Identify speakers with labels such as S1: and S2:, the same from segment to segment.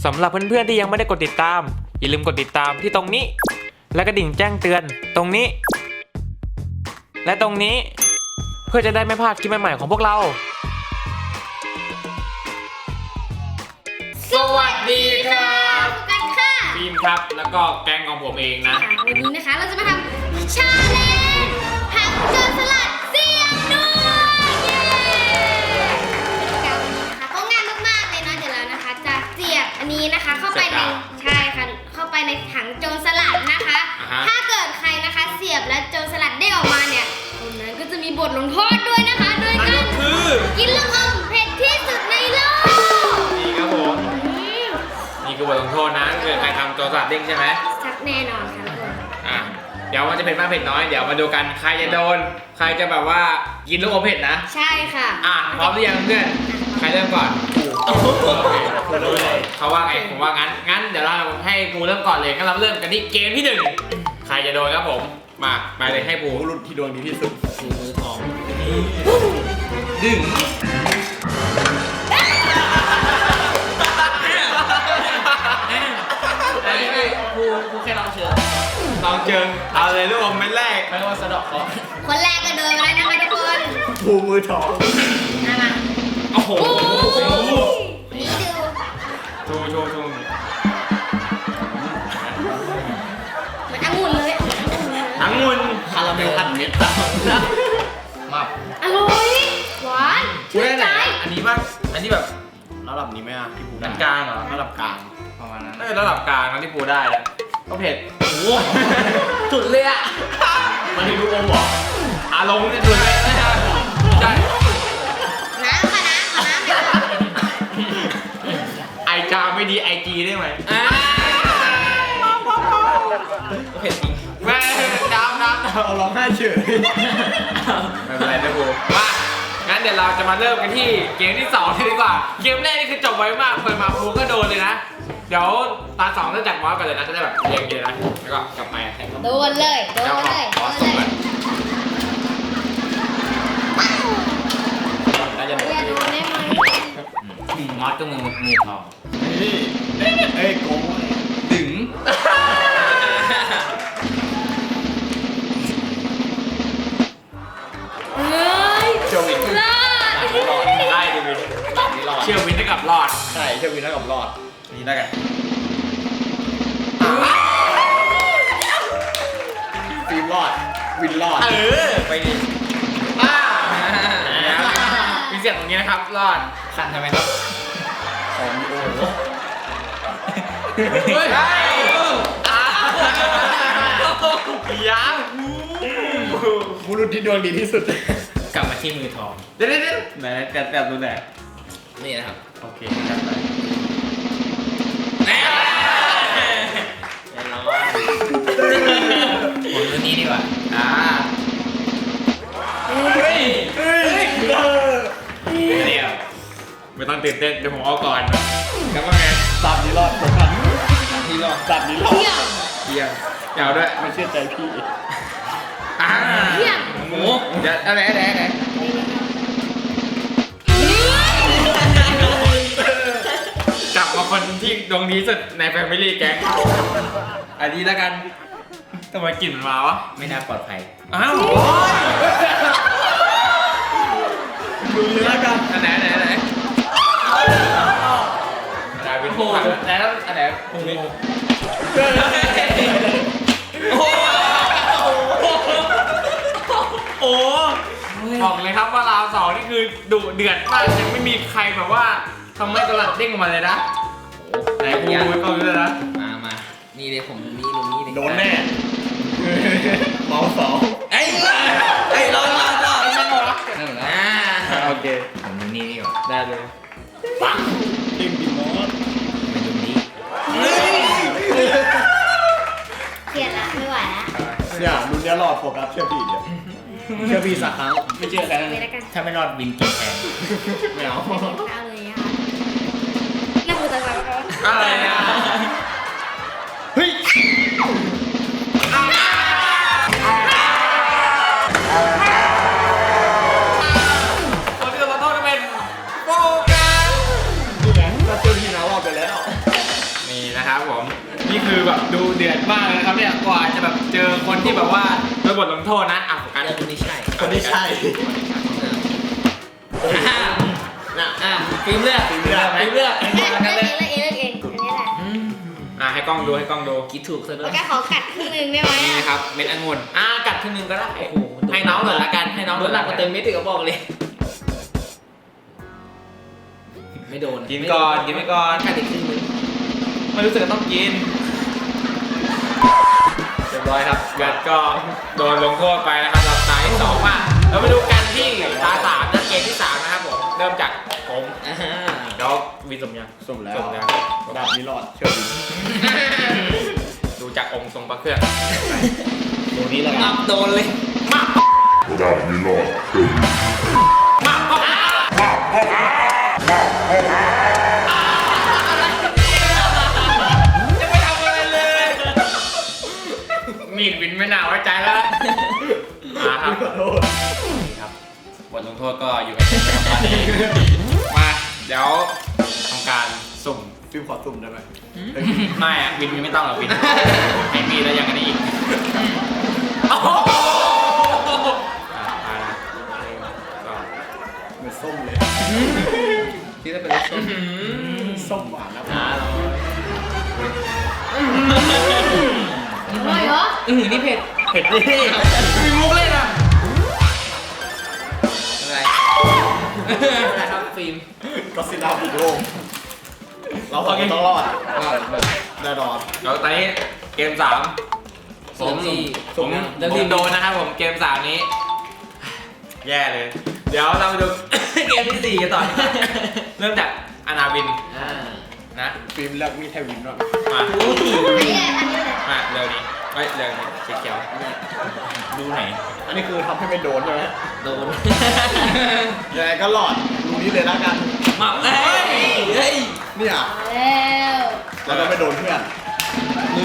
S1: สำหรับเพื่อนๆที่ยังไม่ได้กดติดตามอย่าลืมกดติดตามที่ตรงนี้และกระดิ่งแจ้งเตือนตรงนี้และตรงนี้เพื่อจะได้ไม่พลาดคลิปใหม่ๆของพวกเรา
S2: สวัสดีครับกันค่ะ
S1: ฟิล์มครับแล้วก็แก๊งของผมเองนะ
S2: วันนี้นะคะเราจะมาทำชาเลนจ์ทำโจรสลัดเสียบด้วยเย้การวันนี้นะคะก็ง่ายมากๆเลยเนาะเดี๋ยวเรานะคะจะเสียบอันนี้นะคะเข้าไปในใช่ค่ะเข้าไปในถังโจรสลัดนะคะถ้าเกิดใครนะคะเสียบแล้วโจรสลัดได้ออกมาเนี่ยคนนั้นก็จะมีบทลงโทษด้วยนะคะโดยการกินลูกอมเผ็ดที่สุดในโลก
S1: นี่ครับผมนี่คือบทลงโทษนะเกิดใครทำโจรสลัดเด้งใช่ไหม
S2: ชักแน่นอนค่ะทุกคน
S1: เดี๋ยวมันจะเผ็ดมากเผ็ดน้อยเดี๋ยวมาดูกันใครจะโดนใครจะแบบว่ากินลูกอมเผ็ดนะ
S2: ใช่ค่ะ
S1: พร้อมหรือยังเพื่อนใครเริ่มก่อนเขาว่าไงผมว่างั้นเดี๋ยวเราให้ปูเริ่มก่อนเลยงั้นเราเริ่มกันที่เกมที่1ใครจะโดนครับผมมาเลยให้ปูรุ่นที่ดวงดีที่สุดปูมือทองดึงปูแค่ลองเชิงเอาเลยลูกอมเม็ดแรกไม่ว่าสะดอกเขา
S2: คนแรกก็โดนไปแล้วนะคะทุกคน
S1: ปูมือทอง
S2: มา
S1: โอ้โห
S2: นี่ดู
S1: โชว์
S2: เหมือนองุ่นเลย
S1: องุ่นคาราเมลพันเม็ดมา
S2: อร่อยหวาน
S1: ชื่นใจอันนี้ป่ะอันนี้แบบ
S3: ระดับนี้ไหมอ่ะที่ปูได้
S1: กลางเหรอ
S3: ระดับกลางประมาณนั้น
S1: ระดับกลางนะที่ปูได้แล้วก็เผ็ดโอ้โหสุดเลยอ่ะมันถึงลูกอมหรออารมณ์เนี่ยสุดเลยใช่
S2: น้ำค่ะน้ำ
S1: ไอจาไม่ดีไอจีได้ไหมเผ็ดจริงแม่น้ำ
S3: เอาร้องไห้เฉย
S1: ไม่เป็นไรนะปูมางั้นเดี๋ยวเราจะมาเริ่มกันที่เกมที่2เลยดีกว่าเกมแรกนี่คือจบไวมากเปิดมาปูก็โดนเลยนะเดี๋ยวตา2เริ่มจากมอสก่อนเลยนะจะได้แบบเรียงเลยนะแล้วก็กลับไป
S2: โดนเลย
S1: น่าจะโดน
S2: ได้ไหม
S1: มอสก็มือทอง
S3: เฮ้ยโกง
S1: ดึงเชื่อวิน
S2: รอด
S1: ได้ดิวินเชื่อวินได้กับรอด
S3: ใช่เชื่อวินได้กับรอด
S1: นี่ได้กัน
S3: ฟิล์มรอดวินรอด
S1: ไปดิมีเสียงตรงนี้นะครับรอดสั่นทำไมครับ
S3: ของโอ้โห
S1: ยัง
S3: บุรุษที่ดวงดีที่สุด
S1: กลับมาที่มือทองเดี๋ยวไหนแต่ดูไหนนี่นะครับโอเคจัดไปผมดูนี่ดีกว่าเดี๋ยวไม่ต้องตื่นเต้นเดี๋ยวผมเอาก่อนแล้วว่าไง
S3: สับนี้รอดผมทัน
S1: ที่รอด
S3: สับนี้รอด
S1: เที่ยงยาวด้วย
S3: ไม่เชื่อใจพี่
S2: เที่ยง
S1: หมูเดี๋ยวอะไรกลับมาคนที่ดวงดีสุดในแฟมิลี่แก๊งอันนี้แล้วกันทำไมกลิ่นมันมาวะไม่น่าปลอดภัยอ้าว
S3: ดูแล้วกัน
S1: อันไหนเป็นผู้แล้วอันไหนโอ้โหบอกเลยครับว่าเรา2นี่คือดุเดือดมากยังไม่มีใครแบบว่าทำให้ตลาดเด้งออกมาเลยนะไหนกูไม่ต้องเลยนะมานี่เลยผมนี่ตรงนี้เลย
S3: โดนแน่เมาสอง
S1: ไอ้รอนั่นเหรอโอเคผมดูนี่ก่อนได้เลย
S3: ปังเด้งดิมอส
S1: ไปดูนี้
S2: เกลียดละไม่ไหวละ
S3: เนี่ยรุ่นนี้รอดโฟกัสเชื่อพี่เชื่อพี่สักครั้งไม่เชื่อใคร
S1: ถ้าไม่รอดวินกินแทน
S3: ไม่เอา
S2: เลยค่ะน่าพูดอะไร
S1: อะไรนะเฮ้ยคนที่เราต้องเป็นโฟกัส
S3: นี่ไงก็เชื่อพี่นะรอดไปแล้ว
S1: คือแบบดูเดือดมากเลยนะครับเนี่ยกว่าจะแบบเจอคนที่แบบว่าโดนบทลงโทษนะอ่ะโฟกัส
S4: คนนี้ใช่
S3: คนที่ใช่
S4: ฟิล์มเลือก
S3: ฟิล์มเลือก
S4: ฟิล์มเลือก
S2: เลือกเองอันนี้แหละ
S1: ให้กล้องดูให้กล้องดู
S4: คิดถูกซะด้
S2: แล้ว วย ก็ขอกัดครึ่งหนึงได้ไหม
S1: นี่
S2: อะ
S1: นะครับเม็ดองุ่นกัดครึ่งหนึงก็ได้
S4: โอ้โห
S1: ให้น้องหน่อยละกันให้น้อง
S4: โดนหนักกว่าเต็มเม็ดอีกก็บอกเลย ไม่โดน
S1: กินก่อนกินไปก่อน
S4: กัดอีกครึ่งนึง
S1: ไม่รู้สึกว่าต้องกินเรียบร้อยครับเกิดก็โดนลงโทษไปนะครับรับตาที่2มาเราไปดูกันที่ตา3นะเกมที่3นะครับผมเริ่มจากผมเดี๋ยววินสมยัง
S3: สุ่มแล้ว
S1: สุ่มแล้ว
S3: ดาบนี้รอดเชื่อพี่
S1: ดูจากองค์ทรงพระเครื่อง
S3: ตัวนี้แล้วกั
S4: งั
S3: น
S4: บโดนเลย
S5: ดาบนี้รอดเชื่อพี่
S1: จะไม่ทำอะไรเลยมีดวินไม่น่าไว้ใจแล้วมาครับ
S3: ขอโทษ
S1: นี่ครับบทลงโทษก็อยู่กับผมตอนนี้มาเดี๋ยวทำการสุ่ม
S3: ฟิล์มขอสุ่มได้ไหม
S1: ไม่อะวินไม่ต้องหรอกวินให้มีแล้วยังกันอีกโอ้โหมาละก็
S3: เหมือนส้มเลย
S4: ที่จะเป็นรสส้ม
S3: ส้มหวานนะ
S2: อร่อยเหรอ
S4: นี่เผ็ด
S3: เผ็ดดิ
S1: มีมุกเล่นอ่ะ
S4: อะไรอะไรครับฟิล์ม
S3: ก็ซิลล่าบุกโลกเราต้องรอดแน่นอน
S1: เดี๋ยวตอนนี้เกม3
S4: ผมที่
S1: ผมโดนนะครับผมเกม3นี้ แย่เลย เดี๋ยวเราไปดู เกมที่4กันต่อดีกว่าเริ่มจากอนาวินนะ
S3: ฟิล์มเลือกมีดไทวินว่ะ
S1: มา
S2: อันนี้เลยอันนี้เลย
S1: มาเร็วนี้เฮ้ยเร็วนี้เขียวดูไหน
S3: อันนี้คือทำให้ไม่โดนใช่ไหม
S4: โดน
S3: ยังไงก็รอดดูนี้เลยแล้วกัน
S4: มาเฮ้ย
S3: เนี่ย
S2: มาแล้ว
S3: เราจะไม่โดนเพื่อน
S4: มือ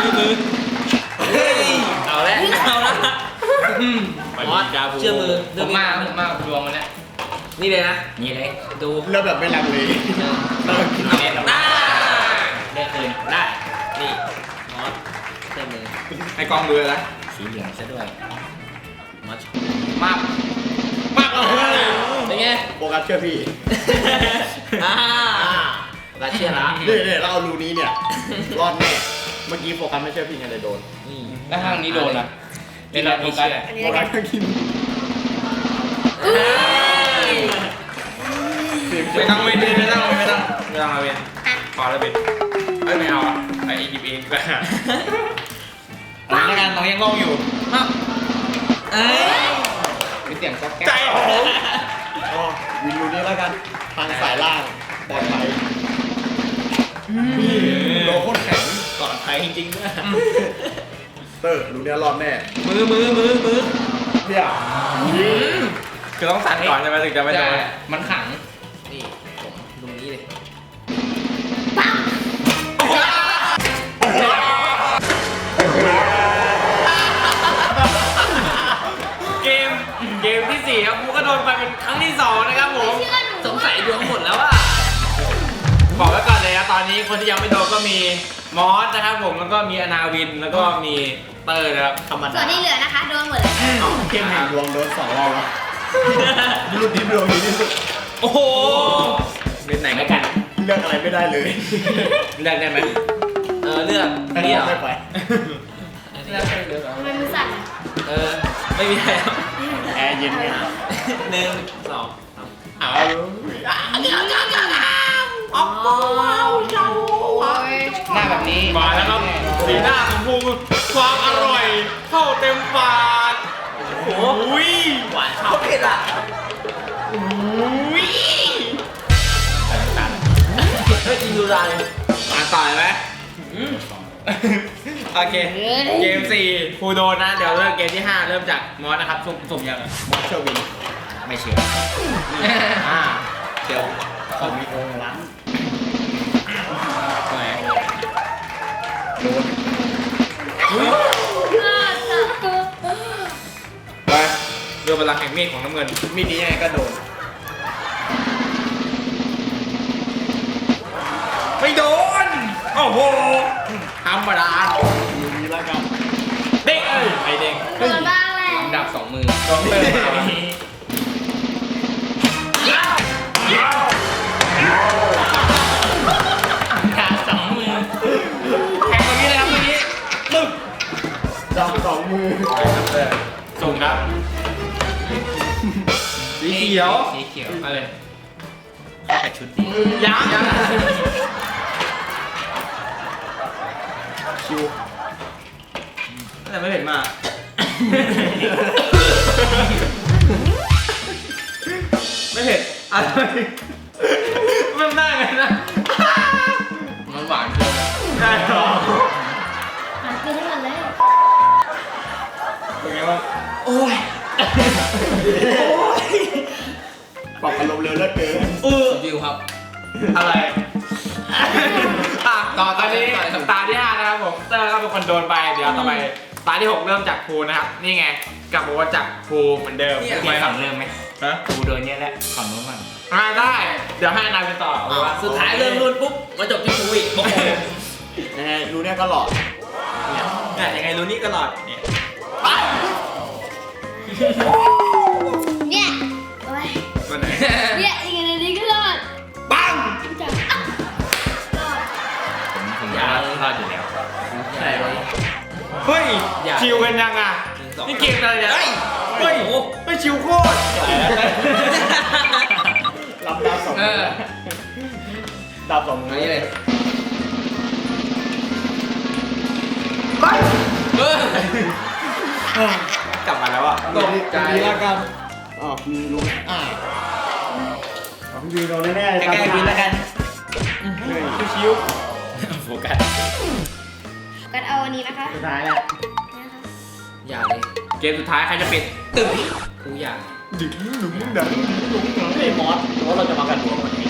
S1: เอาแล้ว
S4: เอาละ
S1: มอส
S4: เชื่อมือ
S1: ผมมาดวงมันเนี่ย
S4: นี่เลยนะ
S1: นี่เลย
S4: ดู
S3: เลือกแบบไม่ลังเลเรากิน
S1: เอาเล่นได้ได้คืนได้
S4: นี่มอสเชื่อมือ
S1: ให้กล้องดูเลยนะ
S4: สีเหลืองซะด้วยมอส
S1: มากเอา
S4: เป็นไง
S3: โฟกัสเชื่อพี่
S4: รัสเชียละ
S3: เนี่ยเราเอารูนี้เนี่ยรอดแน่เมื่อกี้โฟกัสไม่เชื่อพี่ไงเลยโดน
S4: นี่
S1: แล้วทางนี้โดนอ่ะ
S4: เล่นเราโฟกัส
S2: อันนี้
S3: โฟ
S2: แล้ว
S3: กั
S2: กั
S3: ส
S2: น
S3: ก็กิน
S1: ไม่ต้องไม่ต้องมาเวนพอแล้วเวนไม่เอาอ่ะไอ้หยิบเองก็แล้วกันน้องยังงงอยู่
S4: เอ้ย
S1: มีเสียงก๊อกแก๊ก
S3: ใจผมอ๋อวินรูนี้แล้วกันทางสายล่างปลอดภัยโดนโคตรแข็ง
S4: ปลอดภัยจริงๆด้วย
S3: เตอร์รูนี้รอดแน่
S4: มือ
S3: เนี่ย
S1: คือต้องสั่นก่อนใช่ไหมถึงจะไม่โดน
S4: มันขัง นี่ผมตรงนี้เลย
S1: เกมที่4ครับกูก็โดนไปเป็นครั้งที่2นะครับผม
S2: เชื่อหนู
S4: สงสัยดวงหมดแล้วอ่ะ
S1: บอกไว้ก่อนเลยนะตอนนี้คนที่ยังไม่โดนก็มีมอสนะครับผมแล้วก็มีอนาวินแล้วก็มีเตอร์นะครับ
S3: ธรรม
S2: ส่ว
S3: ดาน
S2: ที่เหลือนะคะโดนหมดเลย
S3: เกมแห่งดวงโดน2รอบแล้วรูที่ดวงดีที่สุด
S1: โอ้โหเป็นไหนไม่กัน
S3: เลือกอะไรไม่ได้เลย
S1: เลือกได้ไหม
S4: เลือก
S3: ให้
S4: นี่
S3: เลื
S4: เห
S3: อ
S4: ร
S3: ก
S4: อ
S3: ไม่ไป
S4: เลือกเลือก
S2: ทำไมมือสั่นอะ
S4: ไม่มีแล้ว
S3: แอร์เย็นไง
S4: 1 2
S1: เอา
S2: อ๋อโอ้ย
S4: หน้าแบบนี้
S1: มาแล้วครับสีหน้าของภูความอร่อยเข้าเต็มปาก
S4: โอ้
S1: อุ้ย
S4: หวานเขาเผ็ดอ่ะ
S1: อุ้ย
S4: เฮ้ยกินดูได้เลย
S1: มาต่อยไหมโอเคเกม4ภูโดนนะเดี๋ยวเริ่มเกมที่5เริ่มจากมอสนะครับสุ่มยัง
S3: มอสเชอร์วิน
S1: ไม่เชื่อ
S3: เดี๋ยวเขามีองค์ล้าง
S1: ทำไม
S3: โดน
S1: ไปเรือพลังแห่งมีดของน้ำเงิน
S3: มีดนี้ยังไงก็โดน
S1: ไม่โดน โอ้โหทำไปรมดา
S3: มีแล้วกัน
S1: เด้งไอเด้ง
S2: โดนบ้างแหละ
S4: ดับสองมือ
S1: ต้องเติมมา
S4: ขาสองมือ
S1: แข่งตรงนี้เลยครับตรงนี้ตึ๊บ
S3: จับ2 มือ
S1: ส่งครับสีเขียว
S4: สีเขียว
S1: มาเลย
S4: เข้ากับชุดดี
S1: ยัง
S3: คิว
S1: แต่ไม่เห็นมาก ไม่เห็นอะไรมันได้ไงนะ
S4: มันหวานเกิน
S1: ได้หรอ
S2: หากินให้หมดเลย
S1: เป็นไงบ้าง
S3: ปรับอารมณ์เร็วเหลือเกิน
S4: วิวครับ
S1: อะไรต่อตอนนี้ตาที่ 5 นะครับผมเตอร์ก็เป็นคนโดนไปเดี๋ยวต่อไปตาที่ 6 เริ่มจากภูนะครับนี่ไงกลับมาว่าจากภูเหมือนเดิม
S4: เปลี่ยนฝั่งเริ่มไหม
S1: ฮะ
S4: กูโดนเนี้ยแหละฝั่งนู้นมัน
S1: ได้ เดี๋ยวให้นายไปต่อเอาว่า
S4: สุดท้ายเริ่มรุ่นปุ๊บมาจบที่กูอีกโอ้โห
S3: ยังไงรู้เนี่ยก็หลอด
S1: เนี่ยยังไงรู้นี่ตลอดเนี่ย
S2: เนี่ยโอ้ย
S1: วันไหน
S2: เนี่ยอีกอันนี้ก็รอด
S1: ปัง
S2: จับอ่ะรอด
S4: ผมอยากรอดอยู่แล้วใช่ไหม
S1: เฮ้ยชิวกันยังอ่ะนี่เกมอะไรเนี่ยเฮ้ยไม่ชิวโคตร
S3: รับดาว2 มือดาว2 มือ
S4: นี่เลย
S1: กลับมาแล้วอ่ะ
S3: ตกใจแล้วกันอ๋อพี่รู้พี่โดนแน่ๆ
S4: ใกล้ๆวินแล้วกัน
S1: ชิว
S4: โฟกัส
S2: กันเอาอันนี้นะคะ
S3: สุดท้ายแล้ว
S2: นะคะ
S4: อย่าเลย
S1: เกมสุดท้ายใครจะปิดตึ้ง
S4: กูอยาก
S3: ดึงหนุ่มดังหนุ่มดังไอ้มอสเพราะเราจะมากันตัววันนี้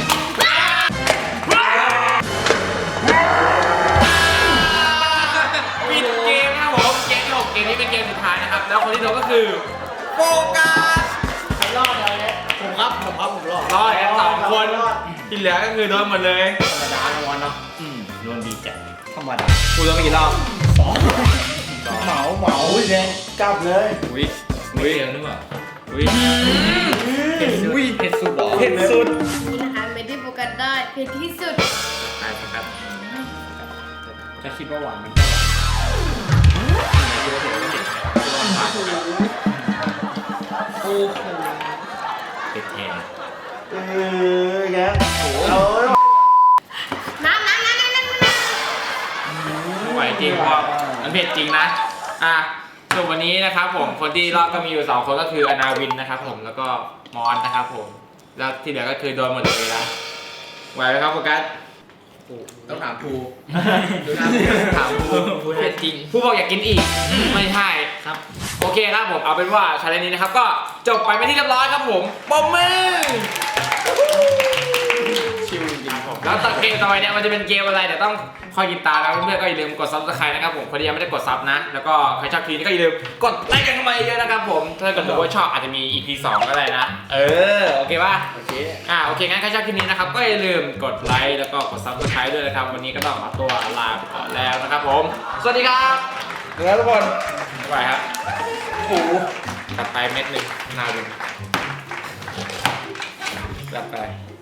S1: ปิดเกมนะครับผมเกมที่ 6 เกมนี้เป็นเกมสุดท้ายนะครับแล้วคนที่โดนก็คือโฟกัส
S3: ใครรอดเลยผมรอด
S1: รอดกัน2 คนที่เหลือก็คือโดนหมดเลย
S3: ธรรมดานะวันเนาะ
S4: โดนดีจัด
S3: ธรรมดา
S1: กูโดนไปกี่รอบ
S3: เหมาแดงกลับเลย
S1: อุ้ย
S4: ไม่เจอหรือเปล่า
S1: อุ้ย
S4: เผ็ดสุดหรอ
S1: เผ็ดสุด
S2: นี่นะคะไม่ได้โฟกัสได้เผ็ดที่สุด
S1: ไปโฟกัส
S3: จะคิดว่าหวานมันจะหวาน
S4: โอ้โหเผ็ดแทน
S3: แกเอา
S2: น้ำ
S1: ไม่ไหวจริงเพราะมันเผ็ดจริงนะส่วนวันนี้นะครับผมคนที่รอดก็มีอยู่2 คนก็คืออนาวินนะครับผมแล้วก็มอนนะครับผมแล้วที่เหลือก็คือโดนหมดเลยนะไหวไหมครับโฟกัส
S4: ต้องถามภู
S1: ดูหน้าถามผู้เผ็ดจริงผู้บอกอยากกินอีกไม่ใช่ครับโอเคครับผมเอาเป็นว่าชาเลนจ์นี้นะครับก็จบไปเป็นที่เรียบร้อยครับผมปมมือ
S3: ชิวจริงผม
S1: แล้วต่อเกมต่อไปเนี่ยมันจะเป็นเกมอะไรเดี๋ยวต้องคอยติดตามนะเพื่อนๆก็อย่าลืมกด subscribe นะครับผมคนที่ยังไม่ได้กดซับนะแล้วก็ใครชอบคลิปนี้ก็อย่าลืมกดไลค์กันเข้ามาเยอะๆนะครับผมถ้าเกิดว่าชอบอาจจะมี EP 2ก็ได้นะโอเคป่ะ
S3: โอเค
S1: โอเคงั้นใครชอบคลิปนี้นะครับก็อย่าลืมกดไลค์แล้วก็กด subscribe ด้วยนะครับวันนี้ก็ต้องขอตัวลาไปก่อนแล้วนะครับผมสวัสดีครับทุกคนบ๊ายบายครับโอ้โหตัดไปเม็ดหนึ่งนาวินตัดไป